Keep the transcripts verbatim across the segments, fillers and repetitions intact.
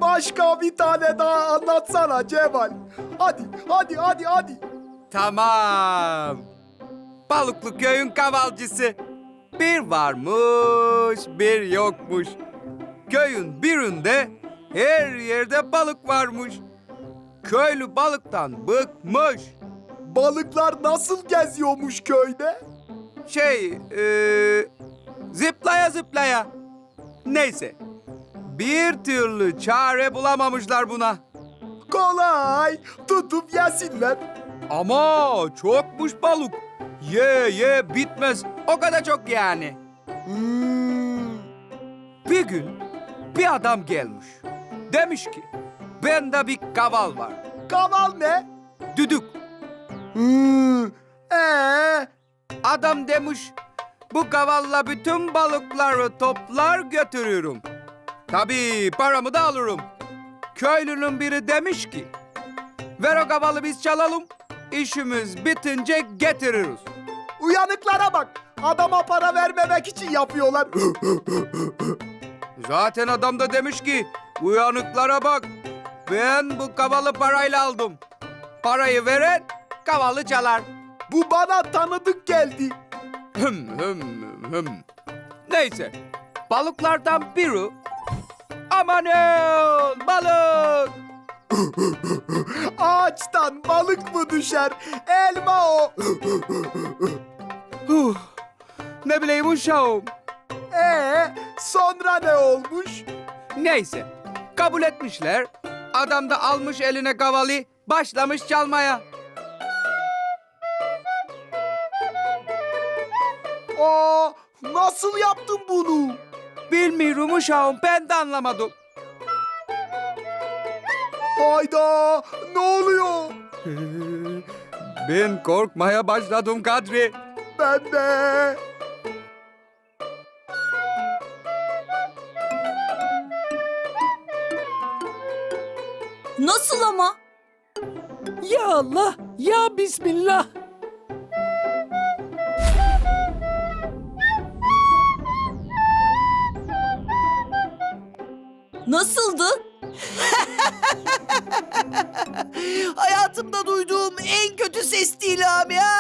başka bir tane daha anlatsana Cemal. Hadi, hadi, hadi, hadi. Tamam. Balıklı köyün kavalcısı. Bir varmış, bir yokmuş. Köyün birinde her yerde balık varmış. Köylü balıktan bıkmış. Balıklar nasıl geziyormuş köyde? Şey, eee, zıplaya zıplaya. Neyse, bir türlü çare bulamamışlar buna. Kolay, tutup yesinler. Ama çokmuş balık. Ye ye bitmez. O kadar çok yani. Hmm. Bir gün bir adam gelmiş. Demiş ki, bende bir kaval var. Kaval ne? Düdük. Hmm. Ee, Adam demiş, bu kavalla bütün balıkları toplar götürürüm. Tabii paramı da alırım. Köylünün biri demiş ki, ver o kavalı biz çalalım, işimiz bitince getiririz. uyanıklara bak. Adama para vermemek için yapıyorlar. Zaten adam da demiş ki, uyanıklara bak, ben bu kavalı parayla aldım. Parayı veren kavalı çalar. Bu bana tanıdık geldi. Hım hım hım. Neyse, balıklardan biri, amanın balık. Ağaçtan balık mı düşer? Elma o. Huh, ne bileyim uşağım. Ee, sonra ne olmuş? Neyse, kabul etmişler. Adam da almış eline kavalı, başlamış çalmaya. Aa, nasıl yaptın bunu? Bilmiyorum uşağım, ben de anlamadım. Hayda, ne oluyor? Ben korkmaya başladım Kadri. Ben de. Nasıl ama? Ya Allah, ya Bismillah. Nasıldı? Hayatımda duyduğum en kötü ses değil abi ya.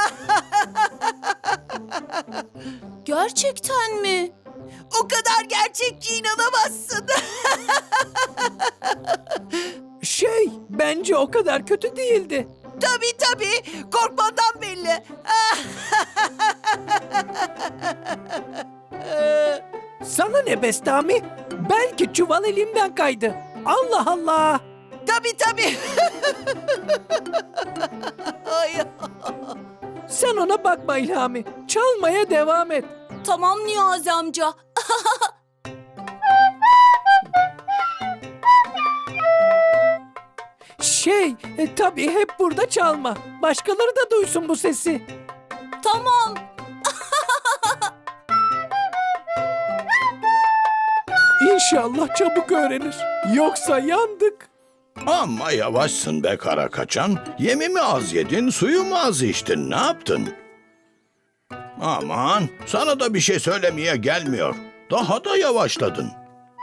Gerçekten mi? O kadar gerçekçi inanamazsın. Şey, bence o kadar kötü değildi. Tabii tabii. Korkmadan belli. Sana ne Bestami? Belki çuval elimden kaydı. Allah Allah. Tabii tabii. Ay. Sen ona bakma İlhami. Çalmaya devam et. Tamam Niyazi amca. Şey, e, tabii hep burada çalma. Başkaları da duysun bu sesi. Tamam. İnşallah çabuk öğrenir. Yoksa yandık. Amma yavaşsın be kara kaçan. Yemi mi az yedin, suyu mu az içtin, ne yaptın? Aman, sana da bir şey söylemeye gelmiyor. Daha da yavaşladın.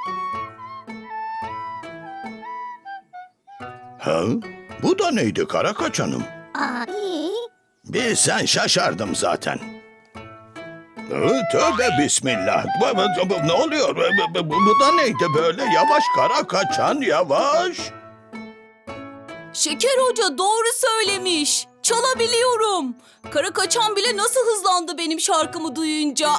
Ha? Bu da neydi kara kaçanım? Bir sen şaşardım zaten. Hı, tövbe bismillah. Bu, bu- bu- ne oluyor? Bu, bu- bu- bu da neydi böyle? Yavaş kara kaçan, yavaş. Şeker Hoca doğru söylemiş. Çalabiliyorum. Kara kaçan bile nasıl hızlandı benim şarkımı duyunca.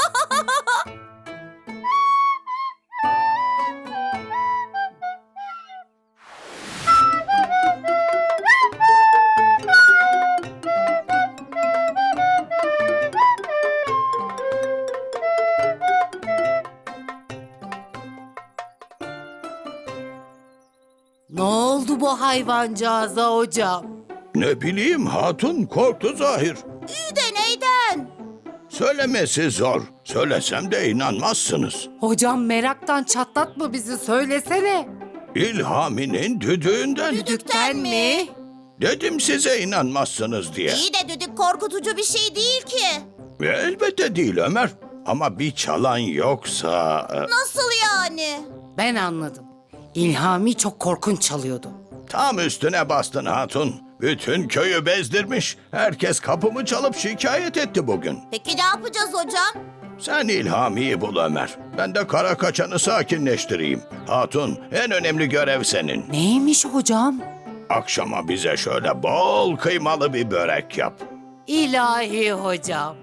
Ne oldu bu hayvancağıza hocam? Ne bileyim hatun korktu zahir. İyi de neyden? Söylemesi zor. Söylesem de inanmazsınız. Hocam meraktan çatlatma bizi, söylesene. İlhami'nin düdüğünden. Düdükten mi? Dedim size inanmazsınız diye. İyi de düdük korkutucu bir şey değil ki. Elbette değil Ömer. Ama bir çalan yoksa... e, Nasıl yani? Ben anladım. İlhami çok korkunç çalıyordu. Tam üstüne bastın hatun. Bütün köyü bezdirmiş. Herkes kapımı çalıp şikayet etti bugün. Peki ne yapacağız hocam? Sen İlhami'yi bul Ömer. Ben de kara kaçanı sakinleştireyim. Hatun, en önemli görev senin. Neymiş hocam? Akşama bize şöyle bol kıymalı bir börek yap. İlahi hocam.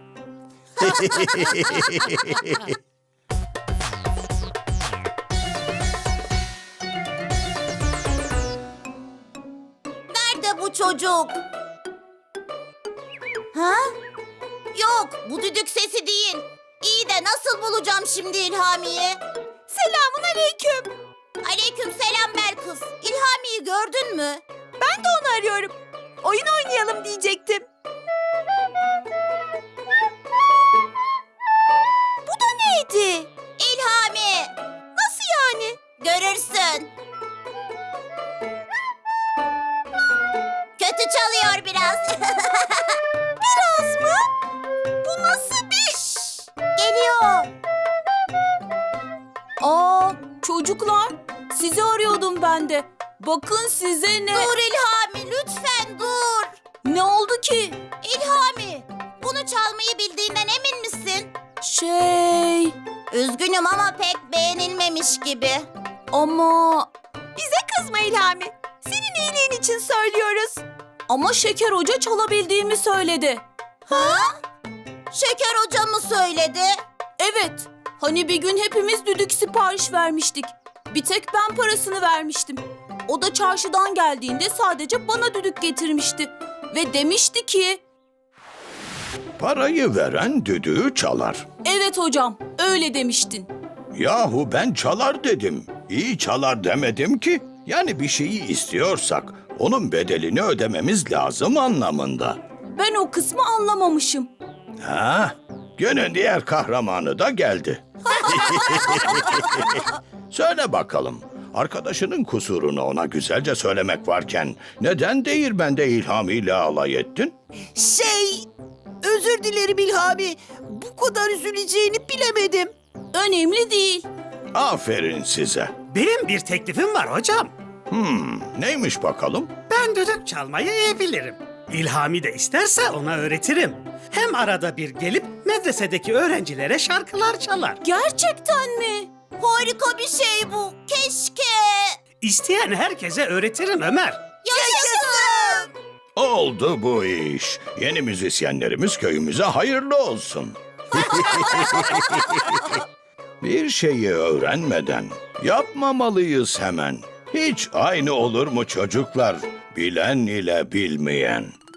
Nerede bu çocuk? Ha? Yok, bu düdük sesi değil. İyi de nasıl bulacağım şimdi İlhami'yi? Selamun aleyküm. Aleyküm selam Belkıs. İlhami'yi gördün mü? Ben de onu arıyorum. Oyun oynayalım diyecektim. Bu da neydi? İlhami. Nasıl yani? Görürsün. Kötü çalıyor biraz. Biraz mı? Bu nasıl bir... Şşş, geliyor. Aa, çocuklar, sizi arıyordum ben de. Bakın size ne... Dur İlhami, lütfen dur. Ne oldu ki? İlhami, bunu çalmayı bildiğinden emin misin? Şey... Üzgünüm ama pek beğenilmemiş gibi. Ama... Bize kızma İlhami. Senin iyiliğin için söylüyoruz. Ama Şeker Hoca çalabildiğimi söyledi. Ha? Şeker Hoca mı söyledi? Evet, hani bir gün hepimiz düdük sipariş vermiştik. Bir tek ben parasını vermiştim. O da çarşıdan geldiğinde sadece bana düdük getirmişti. Ve demişti ki... Parayı veren düdüğü çalar. Evet hocam, öyle demiştin. Yahu ben çalar dedim. İyi çalar demedim ki. Yani bir şeyi istiyorsak onun bedelini ödememiz lazım anlamında. Ben o kısmı anlamamışım. Ha? Günün diğer kahramanı da geldi. Söyle bakalım. Arkadaşının kusurunu ona güzelce söylemek varken neden değirmende İlhami ile alay ettin? Şey, özür dilerim İlhami. Bu kadar üzüleceğini bilemedim. Önemli değil. Aferin size. Benim bir teklifim var hocam. Hmm, neymiş bakalım? Ben düdük çalmayı iyi bilirim. İlhami de isterse ona öğretirim. Hem arada bir gelip medresedeki öğrencilere şarkılar çalar. Gerçekten mi? Harika bir şey bu. Keşke. İsteyen herkese öğretirim Ömer. Yaşasın. Oldu bu iş. Yeni müzisyenlerimiz köyümüze hayırlı olsun. Bir şeyi öğrenmeden yapmamalıyız hemen. Hiç aynı olur mu çocuklar? Bilen ile bilmeyen.